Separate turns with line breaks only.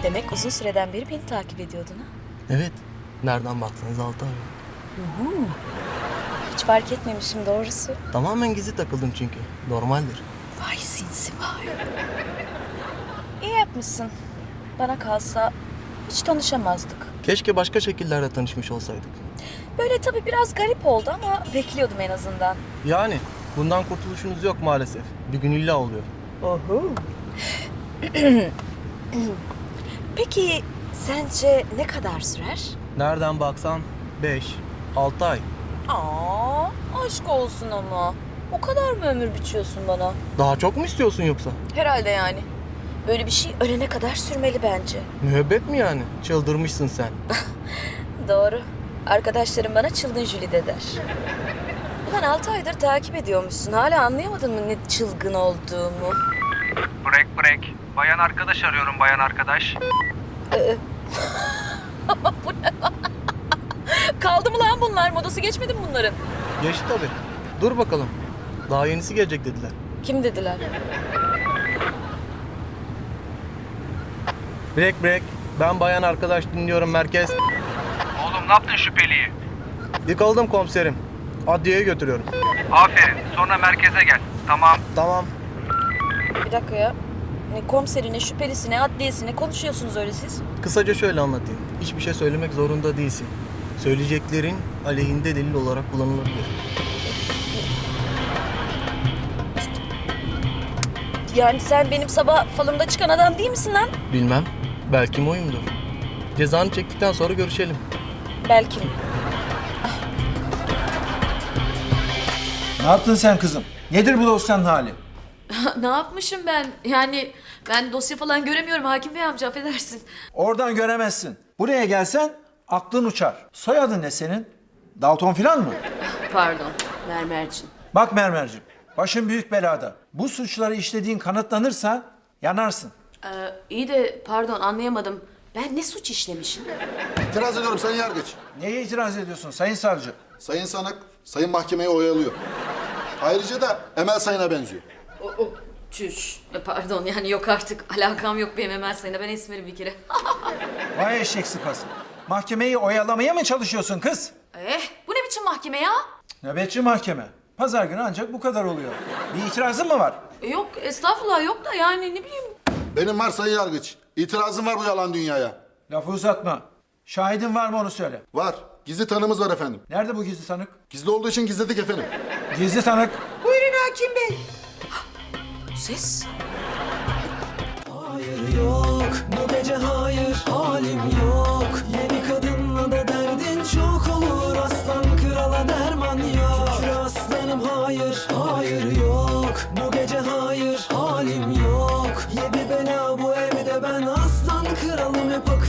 Demek uzun süreden beri beni takip ediyordun ha?
Evet. Nereden baksanız 6 ay.
Hiç fark etmemişim doğrusu.
Tamamen gizli takıldım çünkü. Normaldir.
Vay sinsi vay. İyi yapmışsın. Bana kalsa hiç tanışamazdık.
Keşke başka şekillerde tanışmış olsaydık.
Böyle tabii biraz garip oldu ama bekliyordum en azından.
Yani bundan kurtuluşunuz yok maalesef. Bir gün illa oluyor.
Oho. Peki sence ne kadar sürer?
Nereden baksan 5-6 ay.
Aa, aşk olsun ama. O kadar mı ömür biçiyorsun bana?
Daha çok mu istiyorsun yoksa?
Herhalde yani. Böyle bir şey ölene kadar sürmeli bence.
Müebbet mi yani? Çıldırmışsın sen.
Doğru. Arkadaşlarım bana çılgın Jülide der. Ulan 6 aydır takip ediyormuşsun. Hala anlayamadın mı ne çılgın olduğumu?
Break. Bayan arkadaş arıyorum bayan arkadaş.
Bu ne? Kaldı mı lan bunlar? Modası geçmedi mi bunların?
Geçti tabii. Dur bakalım. Daha yenisi gelecek dediler.
Kim dediler?
Break. Ben bayan arkadaş dinliyorum merkez.
Oğlum ne yaptın şüpheliyi?
Yıkıldım komiserim. Adliyeye götürüyorum.
Aferin. Sonra merkeze gel. Tamam.
Tamam.
Bir dakika ya. Ne komiserine, şüphelisine, adliyesine konuşuyorsunuz öyle siz?
Kısaca şöyle anlatayım. Hiçbir şey söylemek zorunda değilsin. Söyleyeceklerin aleyhinde delil olarak kullanılabilir.
Yani sen benim sabah falımda çıkan adam değil misin lan?
Bilmem. Belki oyumdur. Cezanı çektikten sonra görüşelim.
Belki mi?
Ne yaptın sen kızım? Nedir bu dosyanın hali?
Ne yapmışım ben? Yani ben dosya falan göremiyorum Hakim Bey amca, affedersin.
Oradan göremezsin. Buraya gelsen aklın uçar. Soyadın ne senin? Dalton filan mı?
Pardon, Mermerciğim.
Bak Mermerciğim, başın büyük belada. Bu suçları işlediğin kanıtlanırsa yanarsın.
İyi de pardon, anlayamadım. Ben ne suç işlemişim?
İtiraz ediyorum Sayın Yargıç.
Neye itiraz ediyorsun sayın savcı?
Sayın sanık, Sayın mahkemeyi oyalıyor. Ayrıca da Emel Sayın'a benziyor.
Çüş. Pardon, yani yok artık. Alakam yok benim Emel Sayın'a. Ben Esmer'im bir kere.
Vay eşek sıpası. Mahkemeyi oyalamaya mı çalışıyorsun kız?
Bu ne biçim mahkeme ya?
Nöbetçi mahkeme. Pazar günü ancak bu kadar oluyor. Bir itirazın mı var?
Yok, estağfurullah yok da yani ne bileyim.
Benim var Sayın Yargıç. İtirazım var bu yalan dünyaya.
Lafı uzatma. Şahidin var mı onu söyle.
Var. Gizli tanığımız var efendim.
Nerede bu gizli tanık?
Gizli olduğu için gizledik efendim.
Gizli tanık.
Ses.
Hayır yok bu gece hayır halim yok. Yeni kadınla da derdin çok olur. Aslan krala derman yok. Şükür aslanım hayır yok. Bu gece hayır halim yok. Yedi bela bu evde ben aslan kralım hep akıllı.